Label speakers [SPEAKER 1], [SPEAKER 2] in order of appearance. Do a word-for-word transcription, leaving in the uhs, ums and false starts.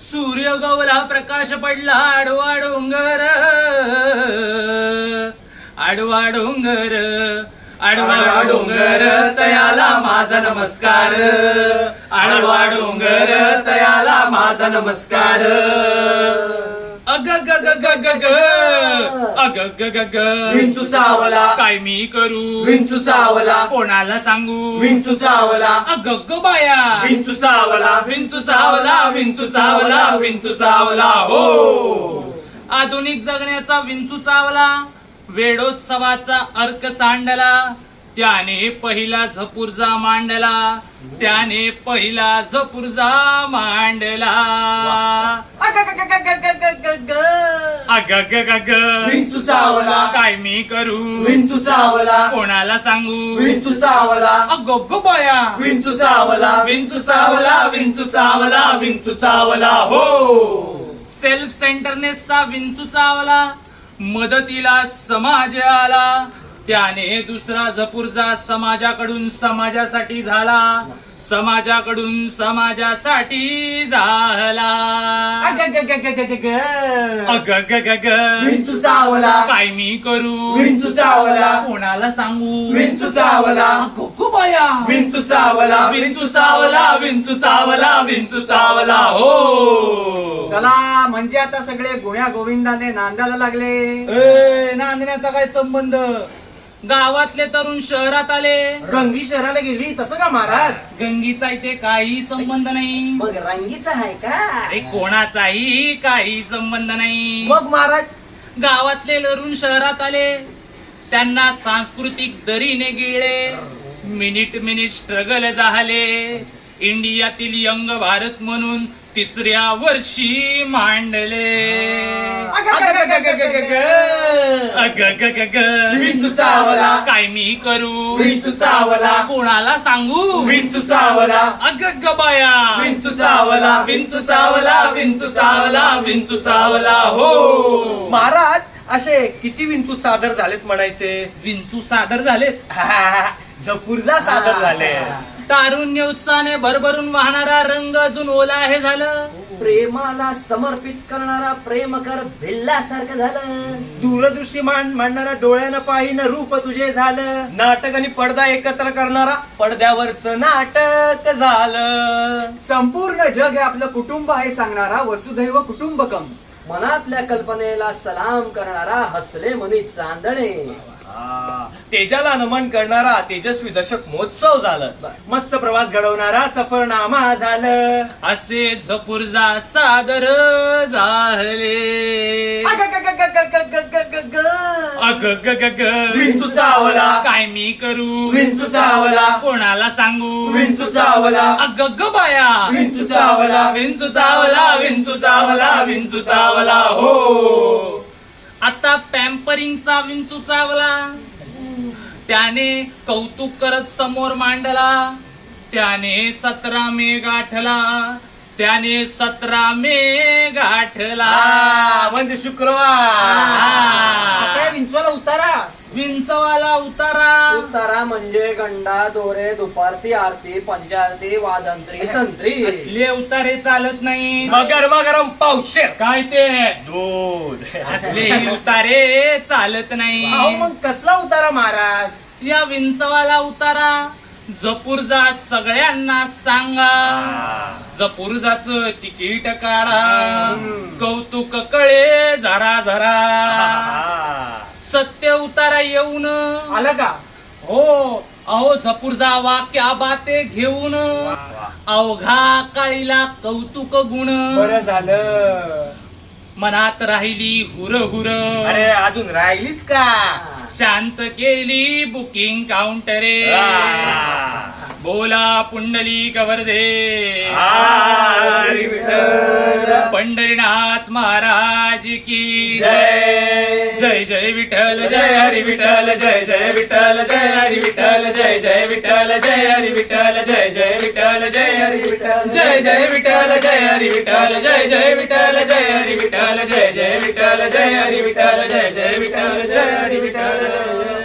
[SPEAKER 1] सूर्य गवला प्रकाश पडला आडवा डोंगर आडवा डोंगर आडवा डोंगर तयाला माझा नमस्कार आडवा डोंगर तयाला माझा नमस्कार अग ग ग ग ग ग अग ग ग ग
[SPEAKER 2] विंचू चावला
[SPEAKER 1] काय मी करू
[SPEAKER 2] विंचू चावला
[SPEAKER 1] कोणाला सांगू
[SPEAKER 2] विंचू चावला
[SPEAKER 1] अग ग बाया
[SPEAKER 2] विंचू चावला
[SPEAKER 1] विंचू चावला विंचू चावला विंचू चावला हो आधुनिक जगण्याचा विंचू चावला वेडोत्सवाचा अर्क सांडला त्याने पहिला झपुर्जा मांडला त्याने पहिला झपुर्जा मांडला अग ग ग ग
[SPEAKER 2] विंचू चावला
[SPEAKER 1] काय मी करू
[SPEAKER 2] विंचू चावला
[SPEAKER 1] कोणाला सांगू
[SPEAKER 2] विंचू चावला
[SPEAKER 1] अग ग बाया
[SPEAKER 2] विंचू चावला
[SPEAKER 1] विंचू चावला विंचू चावला विंचू चावला हो सेल्फ सेंटरनेसचा विंचू चावला मदतीला समाज आला त्याने दुसरा झपुर्जा समाजाकडून समाजासाठी झाला समाजाकडून समाजासाठी झाला अग ग ग ग
[SPEAKER 2] विंचू चावला
[SPEAKER 1] काय मी करू
[SPEAKER 2] विंचू चावला
[SPEAKER 1] कोणाला सांगू
[SPEAKER 2] विंचू चावला
[SPEAKER 1] गोगो बाया
[SPEAKER 2] विंचू चावला
[SPEAKER 1] विंचू चावला विंचू चावला विंचू चावला हो
[SPEAKER 3] चला म्हणजे आता सगळे गुण्या गोविंदाने नांदायला लागले.
[SPEAKER 1] ए, नांदण्याचा काय संबंध गावातले तरुण शहरात आले
[SPEAKER 2] गंगी शहराला गेली तसं का महाराज
[SPEAKER 1] गंगीचा इथे काही संबंध नाही
[SPEAKER 3] मग रंगीचा आहे का
[SPEAKER 1] अरे कोणाचाही काही संबंध नाही
[SPEAKER 2] मग महाराज
[SPEAKER 1] गावातले तरुण शहरात आले त्यांना सांस्कृतिक दरीने गिळले मिनिट मिनिट स्ट्रगल झाले इंडियातील यंग भारत म्हणून तिसऱ्या वर्षी मांडले
[SPEAKER 2] अग ग ग ग ग ग ग.
[SPEAKER 1] अग ग ग ग
[SPEAKER 2] विंचू चावला
[SPEAKER 1] काय मी करू
[SPEAKER 2] विंचू चावला
[SPEAKER 1] कोणाला सांगू
[SPEAKER 2] विंचू चावला
[SPEAKER 1] अग ग बाया
[SPEAKER 2] विंचू चावला
[SPEAKER 1] विंचू चावला विंचू चावला विंचू चावला हो
[SPEAKER 2] महाराज असे किती विंचू सादर झालेत म्हणायचे
[SPEAKER 1] विंचू सादर झालेत
[SPEAKER 2] झपुर्जा सादर झाले
[SPEAKER 1] तारुण्य उत्साहाने भरभरून वाहणारा रंग अजून ओला हे झालं
[SPEAKER 3] प्रेमाला समर्पित करणारा प्रेम कर भिल्लासारखं झालं
[SPEAKER 2] दूरदृष्टी मान मांडणारा डोळ्यानं पाहिन रूप तुझे झालं नाटक आणि पडदा एकत्र करणारा पडद्यावरच नाटक झालं
[SPEAKER 3] संपूर्ण जग हे आपलं कुटुंब आहे सांगणारा वसुधैव कुटुंबकम मनातल्या कल्पनेला सलाम करणारा हसले मनी चांदणे
[SPEAKER 2] तेजाला नमन करणारा तेजस्वी दशक महोत्सव झालं मस्त प्रवास घडवणारा सफरनामा झालं
[SPEAKER 1] असे झपुर्जा सादर झाले
[SPEAKER 3] अग ग ग ग ग ग ग ग ग.
[SPEAKER 1] अग ग ग ग
[SPEAKER 2] विंचू चावला
[SPEAKER 1] काय मी करू
[SPEAKER 2] विंचू चावला
[SPEAKER 1] कोणाला सांगू
[SPEAKER 2] विंचू चावला
[SPEAKER 1] अग ग बाया
[SPEAKER 2] विंचू चावला
[SPEAKER 1] विंचू चावला विंचू चावला विंचू चावला हो आता पॅम्परिंगचा विंचू चावला त्याने कौतुक करत समोर मांडला त्याने सतरा मे गाठला त्याने सतरा मे गाठला
[SPEAKER 2] म्हणजे शुक्रवार आता विंचवाला उतारा
[SPEAKER 1] विंचवाला उतारा
[SPEAKER 3] उतारा म्हणजे गंडा दोरे दुपारती आरती पंचारती वाजंत्री संत्री
[SPEAKER 1] असले उतारे चालत नाही
[SPEAKER 2] मगर मगरम पावशेर
[SPEAKER 1] काय ते
[SPEAKER 2] दूध
[SPEAKER 1] असले उतारे चालत
[SPEAKER 2] अहो,
[SPEAKER 1] नाही
[SPEAKER 2] मग कसला उतारा महाराज
[SPEAKER 1] या विंचवाला उतारा जपुर्जा सगळ्यांना सांगा जपुर्जाच तिकीट काढा कौतुक कळे जरा जरा सत्य उतारा येऊन
[SPEAKER 2] आला का
[SPEAKER 1] हो अहो झपुर्जा वाक्या बाते घेऊन अवघा काळीला कौतुक गुण
[SPEAKER 2] बरं झालं
[SPEAKER 1] मनात राहिली हुर हुर
[SPEAKER 2] अरे अजून राहिलीच का
[SPEAKER 1] शांत केली बुकिंग काउंटरे बोला पुंडली कवर्धे
[SPEAKER 2] हरी विठ्ठल.
[SPEAKER 1] पंढरीनाथ महाराज की
[SPEAKER 2] जय
[SPEAKER 1] जय जय विठ्ठल जय हरी विठ्ठल जय जय विठ्ठल जय हरी विठ्ठल जय जय विठ्ठल जय हरी विठ्ठल जय जय विठ्ठल जय हरी विठ्ठल जय जय विठ्ठल जय हरी विठ्ठल जय जय विठ्ठल जय हरी विठ्ठल जय जय विठ्ठल जय हरी विठ्ठल जय जय विठ्ठल जय हरी विठ्ठल